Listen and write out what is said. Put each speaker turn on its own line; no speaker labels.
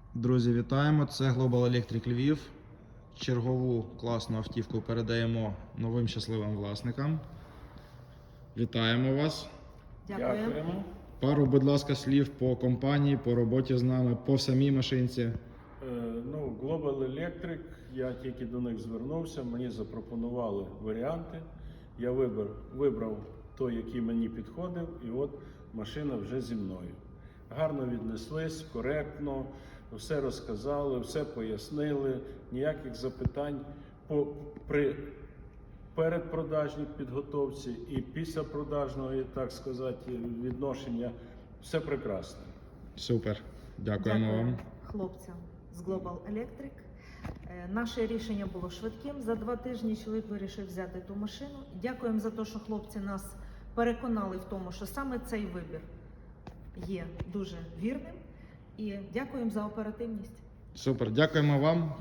Друзі, вітаємо! Це Global Electric Lviv. Чергову класну автівку передаємо новим щасливим власникам. Вітаємо вас!
Дякуємо.
Пару, будь ласка, слів по компанії, по роботі з нами, по самій машинці.
Global Electric, я тільки до них звернувся, мені запропонували варіанти. Я вибрав той, який мені підходив, і от машина вже зі мною. Гарно віднеслись, коректно, все розказали, все пояснили, ніяких запитань при передпродажній підготовці і післяпродажного, так сказати, відношення. Все прекрасно.
Супер. Дякуємо вам.
Хлопцям з Global Electric. Наше рішення було швидким. За 2 тижні чоловік вирішив взяти ту машину. Дякуємо за те, що хлопці нас переконали в тому, що саме цей вибір є дуже вірним. І дякуємо за оперативність.
Супер. Дякуємо вам.